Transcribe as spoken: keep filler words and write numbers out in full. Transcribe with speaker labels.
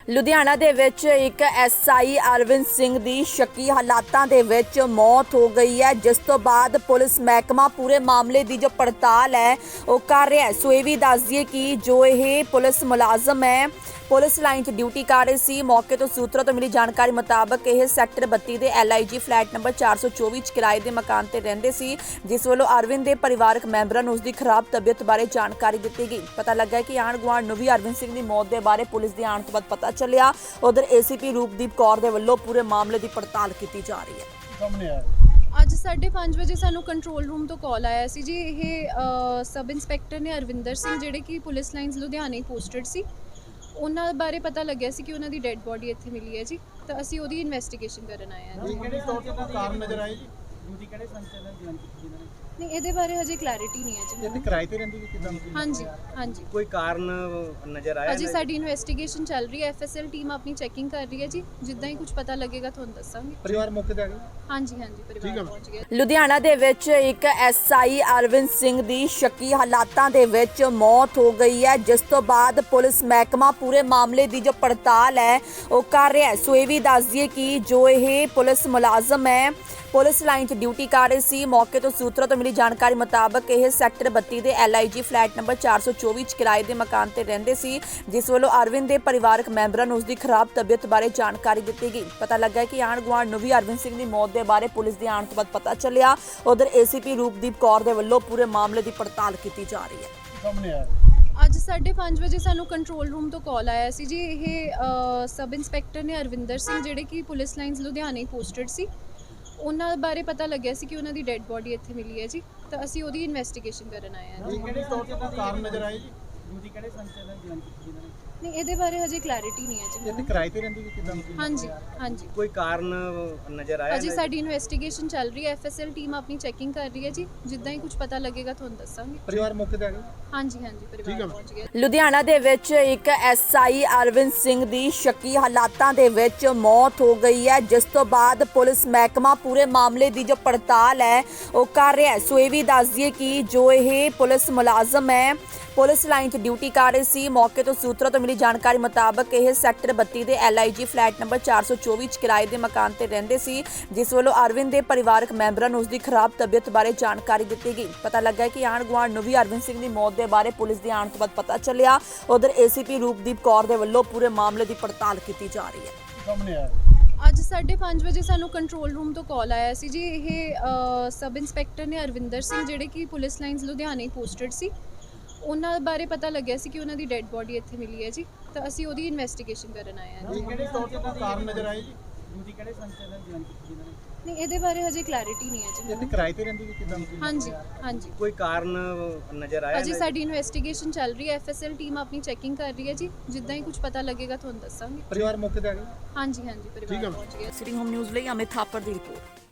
Speaker 1: ਲੁਧਿਆਣਾ ਦੇ ਵਿੱਚ ਇੱਕ ਐਸਆਈ ਅਰਵਿੰਦ ਸਿੰਘ ਦੀ ਸ਼ੱਕੀ ਹਾਲਾਤਾਂ ਦੇ ਵਿੱਚ ਮੌਤ ਹੋ ਗਈ ਹੈ, ਜਿਸ ਤੋਂ ਬਾਅਦ ਪੁਲਿਸ ਮਹਿਕਮਾ ਪੂਰੇ ਮਾਮਲੇ ਦੀ ਜੋ ਪੜਤਾਲ ਹੈ ਉਹ ਕਰ ਰਿਹਾ ਹੈ। ਸੋ ਇਹ ਵੀ ਦੱਸ ਦਈਏ ਕਿ ਜੋ ਇਹ ਪੁਲਿਸ ਮੁਲਾਜ਼ਮ ਹੈ ਪੁਲਿਸ ਲਾਈਨ 'ਚ ਡਿਊਟੀ ਕਰ ਰਹੇ ਸੀ। ਮੌਕੇ ਤੋਂ ਸੂਤਰਾਂ ਤੋਂ ਮਿਲੀ ਜਾਣਕਾਰੀ ਮੁਤਾਬਕ ਇਹ ਸੈਕਟਰ ਬੱਤੀ ਦੇ ਐਲਆਈਜੀ ਫਲੈਟ ਨੰਬਰ ਚਾਰ ਸੌ ਚੌਵੀ 'ਚ ਕਿਰਾਏ ਦੇ ਮਕਾਨ ਤੇ ਰਹਿੰਦੇ ਸੀ, ਜਿਸ ਵੱਲੋਂ ਅਰਵਿੰਦ ਦੇ ਪਰਿਵਾਰਕ ਮੈਂਬਰਾਂ ਨੂੰ ਉਸ ਦੀ ਖਰਾਬ ਤਬੀਅਤ ਬਾਰੇ ਜਾਣਕਾਰੀ ਦਿੱਤੀ ਗਈ। ਪਤਾ ਲੱਗਾ ਕਿ ਆਂਢ ਗੁਆਂਢ ਨੂੰ ਵੀ ਅਰਵਿੰਦ ਸਿੰਘ ਦੀ ਮੌਤ ਦੇ ਬਾਰੇ ਪੁਲਿਸ ਦੇ ਆਉਣ ਤੋਂ ਬਾਅਦ ਪਤਾ ਚੱਲਿਆ। ਉਧਰ ਏਸੀਪੀ ਰੂਪਦੀਪ ਕੌਰ ਦੇ ਵੱਲੋਂ ਪੂਰੇ ਮਾਮਲੇ ਦੀ ਪੜਤਾਲ ਕੀਤੀ ਜਾ ਰਹੀ ਹੈ।
Speaker 2: ਸਾਹਮਣੇ ਆਇਆ
Speaker 3: ਅੱਜ ਸਾਢੇ ਪੰਜ ਵਜੇ ਸਾਨੂੰ ਕੰਟਰੋਲ ਰੂਮ ਤੋਂ ਕਾਲ ਆਇਆ ਸੀ ਜੀ। ਇਹ ਅ, ਸਬ ਇੰਸਪੈਕਟਰ ਨੇ ਅਰਵਿੰਦਰ ਸਿੰਘ, ਜਿਹੜੇ ਕਿ ਪੁਲਿਸ ਲਾਈਨਸ ਲੁਧਿਆਣੇ ਪੋਸਟਡ ਸੀ, ਉਹਨਾਂ ਬਾਰੇ ਪਤਾ ਲੱਗਿਆ ਸੀ ਕਿ ਉਹਨਾਂ ਦੀ ਡੈੱਡ ਬੋਡੀ ਇੱਥੇ ਮਿਲੀ ਹੈ ਜੀ। ਤਾਂ ਅਸੀਂ ਉਹਦੀ ਇਨਵੈਸਟੀਗੇਸ਼ਨ ਕਰਨ ਆਏ ਹਾਂ ਜੀ।
Speaker 2: ਕਿਹੜੇ ਤੌਰ ਤੇ ਕੋਈ ਕਾਰਨ ਨਜ਼ਰ ਆਏ ਜੀ? ਡਿਊਟੀ ਕਿਹੜੇ ਸੰਚਾਲਨ ਜੁਆਇਨ ਕੀਤੀ ਇਹਨਾਂ ਨੇ?
Speaker 3: ਨਹੀਂ, ਇਹਦੇ ਬਾਰੇ ਹਜੇ ਕਲੈਰਿਟੀ ਨਹੀਂ ਹੈ ਜੀ
Speaker 2: ਇਹ ਤੇ
Speaker 3: ਮੈਨੂੰ।
Speaker 2: ਕਿਰਾਏ ਤੇ ਰਹਿੰਦੀ ਕਿ ਕਿਦਾਂ?
Speaker 3: ਹਾਂਜੀ ਹਾਂਜੀ
Speaker 4: ਕੋਈ ਕਾਰਨ ਨਜ਼ਰ ਆਇਆ?
Speaker 3: ਅਜੇ ਸਾਡੀ ਇਨਵੈਸਟੀਗੇਸ਼ਨ ਚੱਲ ਰਹੀ ਹੈ। ਐਫਐਸਐਲ ਟੀਮ ਆਪਣੀ ਚੈਕਿੰਗ ਕਰ ਰਹੀ ਹੈ ਜੀ। ਜਿੱਦਾਂ ਹੀ ਕੁਝ ਪਤਾ ਲੱਗੇਗਾ ਤੁਹਾਨੂੰ ਦੱਸਾਂਗੇ।
Speaker 2: ਪਰਿਵਾਰ ਮੌਕੇ ਤੇ ਆ ਗਿਆ?
Speaker 3: ਹਾਂਜੀ ਹਾਂਜੀ
Speaker 2: ਠੀਕ
Speaker 3: ਪਰਿਵਾਰ
Speaker 2: ਹੈ।
Speaker 3: ਪਹੁੰਚ ਗਿਆ।
Speaker 1: ਲੁਧਿਆਣਾ ਦੇ ਵਿੱਚ ਇੱਕ ਐਸਆਈ ਅਰਵਿੰਦ ਸਿੰਘ ਦੀ ਸ਼ੱਕੀ ਹਾਲਾਤਾਂ ਦੇ ਵਿੱਚ ਮੌਤ ਹੋ ਗਈ ਹੈ, ਜਿਸ ਤੋਂ ਬਾਅਦ ਪੁਲਿਸ ਮਹਿਕਮਾ ਪੂਰੇ ਮਾਮਲੇ ਦੀ ਜੋ ਪੜਤਾਲ ਹੈ ਉਹ ਕਰ ਰਿਹਾ ਹੈ। ਸੋ ਇਹ ਵੀ ਦੱਸ ਦਈਏ ਕਿ ਜੋ ਇਹ ਪੁਲਿਸ ਮੁਲਾਜ਼ਮ ਹੈ ਪੁਲਿਸ ਲਾਈਨ 'ਚ ਡਿਊਟੀ ਕਰ ਰਹੇ ਸੀ। ਮੌਕੇ ਤੋਂ ਸੂਤਰਾਂ ਤੋਂ ਮਿਲੀ ਜਾਣਕਾਰੀ ਮੁਤਾਬਕ ਇਹ ਸੈਕਟਰ ਬੱਤੀ ਦੇ ਐਲਆਈਜੀ ਫਲੈਟ ਨੰਬਰ ਚਾਰ ਸੌ ਚੌਵੀ 'ਚ ਕਿਰਾਏ ਦੇ ਮਕਾਨ ਤੇ ਰਹਿੰਦੇ ਸੀ, ਜਿਸ ਵੱਲੋਂ ਅਰਵਿੰਦ ਦੇ ਪਰਿਵਾਰਕ ਮੈਂਬਰਾਂ ਨੂੰ ਉਸ ਦੀ ਖਰਾਬ ਤਬੀਅਤ ਬਾਰੇ ਜਾਣਕਾਰੀ ਦਿੱਤੀ ਗਈ। ਪਤਾ ਲੱਗਾ ਕਿ ਆਂਢ ਗੁਆਂਢ ਨੂੰ ਵੀ ਅਰਵਿੰਦ ਸਿੰਘ ਦੀ ਮੌਤ ਦੇ ਬਾਰੇ ਪੁਲਿਸ ਦੇ ਆਉਣ ਤੋਂ ਬਾਅਦ ਪਤਾ ਚੱਲਿਆ। ਉਧਰ ਏਸੀਪੀ ਰੂਪਦੀਪ ਕੌਰ ਦੇ ਵੱਲੋਂ ਪੂਰੇ ਮਾਮਲੇ ਦੀ ਪੜਤਾਲ ਕੀਤੀ ਜਾ ਰਹੀ ਹੈ।
Speaker 2: ਸਾਹਮਣੇ ਆਇਆ
Speaker 3: ਅੱਜ ਸਾਢੇ ਪੰਜ ਵਜੇ ਸਾਨੂੰ ਕੰਟਰੋਲ ਰੂਮ ਤੋਂ ਕਾਲ ਆਇਆ ਸੀ ਜੀ। ਇਹ ਅ, ਸਬ ਇੰਸਪੈਕਟਰ ਨੇ ਅਰਵਿੰਦਰ ਸਿੰਘ, ਜਿਹੜੇ ਕਿ ਪੁਲਿਸ ਲਾਈਨਸ ਲੁਧਿਆਣੇ ਪੋਸਟਡ ਸੀ, ਉਹਨਾਂ ਬਾਰੇ ਪਤਾ ਲੱਗਿਆ ਸੀ ਕਿ ਉਹਨਾਂ ਦੀ ਡੈੱਡ ਬੋਡੀ ਇੱਥੇ ਮਿਲੀ ਹੈ ਜੀ। ਤਾਂ ਅਸੀਂ ਉਹਦੀ ਇਨਵੈਸਟੀਗੇਸ਼ਨ ਕਰਨ ਆਏ ਹਾਂ ਜੀ।
Speaker 2: ਕਿਹੜੇ ਤੌਰ ਤੇ ਕੋਈ ਕਾਰਨ ਨਜ਼ਰ ਆਏ ਜੀ? ਡਿਊਟੀ ਕਿਹੜੇ ਸੰਚਾਲਨ ਜੁਆਇਨ ਕੀਤੀ ਇਹਨਾਂ ਨੇ?
Speaker 3: ਨਹੀਂ, ਇਹਦੇ ਬਾਰੇ ਹਜੇ ਕਲੈਰਿਟੀ ਨਹੀਂ ਹੈ ਜੀ
Speaker 2: ਇਹ ਤੇ
Speaker 3: ਮੈਨੂੰ।
Speaker 2: ਕਿਰਾਏ ਤੇ ਰਹਿੰਦੀ ਕਿ ਕਿਦਾਂ?
Speaker 3: ਹਾਂਜੀ ਹਾਂਜੀ
Speaker 4: ਕੋਈ ਕਾਰਨ ਨਜ਼ਰ ਆਇਆ?
Speaker 3: ਅਜੇ ਸਾਡੀ ਇਨਵੈਸਟੀਗੇਸ਼ਨ ਚੱਲ ਰਹੀ ਹੈ। ਐਫਐਸਐਲ ਟੀਮ ਆਪਣੀ ਚੈਕਿੰਗ ਕਰ ਰਹੀ ਹੈ ਜੀ। ਜਿੱਦਾਂ ਹੀ ਕੁਝ ਪਤਾ ਲੱਗੇਗਾ ਤੁਹਾਨੂੰ ਦੱਸਾਂਗੇ।
Speaker 2: ਪਰਿਵਾਰ ਮੌਕੇ ਤੇ ਆ ਗਿਆ?
Speaker 3: ਹਾਂਜੀ ਹਾਂਜੀ
Speaker 2: ਠੀਕ
Speaker 3: ਪਰਿਵਾਰ
Speaker 2: ਹੈ।
Speaker 3: ਪਹੁੰਚ ਗਿਆ।
Speaker 1: ਲੁਧਿਆਣਾ ਦੇ ਵਿੱਚ ਇੱਕ ਐਸਆਈ ਅਰਵਿੰਦ ਸਿੰਘ ਦੀ ਸ਼ੱਕੀ ਹਾਲਾਤਾਂ ਦੇ ਵਿੱਚ ਮੌਤ ਹੋ ਗਈ ਹੈ, ਜਿਸ ਤੋਂ ਬਾਅਦ ਪੁਲਿਸ ਮਹਿਕਮਾ ਪੂਰੇ ਮਾਮਲੇ ਦੀ ਜੋ ਪੜਤਾਲ ਹੈ ਉਹ ਕਰ ਰਿਹਾ ਹੈ। ਸੋ ਇਹ ਵੀ ਦੱਸ ਦਈਏ ਕਿ ਜੋ ਇਹ ਪੁਲਿਸ ਮੁਲਾਜ਼ਮ ਹੈ ਪੁਲਿਸ ਲਾਈਨ 'ਚ ਡਿਊਟੀ ਕਰ ਰਹੇ ਸੀ। ਮੌਕੇ ਤੋਂ ਸੂਤਰਾਂ ਤੋਂ ਮਿਲੀ ਜਾਣਕਾਰੀ ਮੁਤਾਬਕ ਇਹ ਸੈਕਟਰ ਬੱਤੀ ਦੇ ਐਲਆਈਜੀ ਫਲੈਟ ਨੰਬਰ ਚਾਰ ਸੌ ਚੌਵੀ 'ਚ ਕਿਰਾਏ ਦੇ ਮਕਾਨ ਤੇ ਰਹਿੰਦੇ ਸੀ, ਜਿਸ ਵੱਲੋਂ ਅਰਵਿੰਦ ਦੇ ਪਰਿਵਾਰਕ ਮੈਂਬਰਾਂ ਨੂੰ ਉਸ ਦੀ ਖਰਾਬ ਤਬੀਅਤ ਬਾਰੇ ਜਾਣਕਾਰੀ ਦਿੱਤੀ ਗਈ। ਪਤਾ ਲੱਗਾ ਕਿ ਆਂਢ ਗੁਆਂਢ ਨੂੰ ਵੀ ਅਰਵਿੰਦ ਸਿੰਘ ਦੀ ਮੌਤ ਦੇ ਬਾਰੇ ਪੁਲਿਸ ਦੇ ਆਉਣ ਤੋਂ ਬਾਅਦ ਪਤਾ ਚੱਲਿਆ। ਉਧਰ ਏਸੀਪੀ ਰੂਪਦੀਪ ਕੌਰ ਦੇ ਵੱਲੋਂ ਪੂਰੇ ਮਾਮਲੇ ਦੀ ਪੜਤਾਲ ਕੀਤੀ ਜਾ ਰਹੀ ਹੈ।
Speaker 2: ਸਾਹਮਣੇ ਆਇਆ
Speaker 3: ਅੱਜ ਸਾਢੇ ਪੰਜ ਵਜੇ ਸਾਨੂੰ ਕੰਟਰੋਲ ਰੂਮ ਤੋਂ ਕਾਲ ਆਇਆ ਸੀ ਜੀ। ਇਹ ਅ, ਸਬ ਇੰਸਪੈਕਟਰ ਨੇ ਅਰਵਿੰਦਰ ਸਿੰਘ, ਜਿਹੜੇ ਕਿ ਪੁਲਿਸ ਲਾਈਨਸ ਲੁਧਿਆਣੇ ਪੋਸਟਡ ਸੀ, ਉਹਨਾਂ ਬਾਰੇ ਪਤਾ ਲੱਗਿਆ ਸੀ ਕਿ ਉਹਨਾਂ ਦੀ ਡੈੱਡ ਬੋਡੀ ਇੱਥੇ ਮਿਲੀ ਹੈ ਜੀ। ਤਾਂ ਅਸੀਂ ਉਹਦੀ ਇਨਵੈਸਟੀਗੇਸ਼ਨ ਕਰਨ ਆਏ ਹਾਂ ਜੀ।
Speaker 2: ਕਿਹੜੇ ਤੌਰ ਤੇ ਕੋਈ ਕਾਰਨ ਨਜ਼ਰ ਆਏ ਜੀ? ਡਿਊਟੀ ਕਿਹੜੇ ਸੰਚਾਲਨ ਜੁਆਇਨ ਕੀਤੀ ਇਹਨਾਂ ਨੇ?
Speaker 3: ਨਹੀਂ, ਇਹਦੇ ਬਾਰੇ ਹਜੇ ਕਲੈਰਿਟੀ ਨਹੀਂ ਹੈ ਜੀ
Speaker 2: ਇਹ ਤੇ
Speaker 3: ਮੈਨੂੰ।
Speaker 2: ਕਿਰਾਏ ਤੇ ਰਹਿੰਦੀ ਕਿ ਕਿਦਾਂ?
Speaker 3: ਹਾਂਜੀ ਹਾਂਜੀ
Speaker 4: ਕੋਈ ਕਾਰਨ ਨਜ਼ਰ ਆਇਆ?
Speaker 3: ਅਜੇ ਸਾਡੀ ਇਨਵੈਸਟੀਗੇਸ਼ਨ ਚੱਲ ਰਹੀ ਹੈ। ਐਫਐਸਐਲ ਟੀਮ ਆਪਣੀ ਚੈਕਿੰਗ ਕਰ ਰਹੀ ਹੈ ਜੀ। ਜਿੱਦਾਂ ਹੀ ਕੁਝ ਪਤਾ ਲੱਗੇਗਾ ਤੁਹਾਨੂੰ ਦੱਸਾਂਗੇ।
Speaker 2: ਪਰਿਵਾਰ ਮੌਕੇ ਤੇ ਆ ਗਿਆ?
Speaker 3: ਹਾਂਜੀ ਹਾਂਜੀ
Speaker 2: ਠੀਕ
Speaker 3: ਪਰਿਵਾਰ
Speaker 2: ਹੈ।
Speaker 3: ਪਹੁੰਚ ਗਿਆ।
Speaker 1: ਸਿਟੀ ਹੋਮ ਨਿਊਜ਼ ਲਈ ਅਮਿਤ ਥਾਪਰ ਦੀ ਰਿਪੋਰਟ।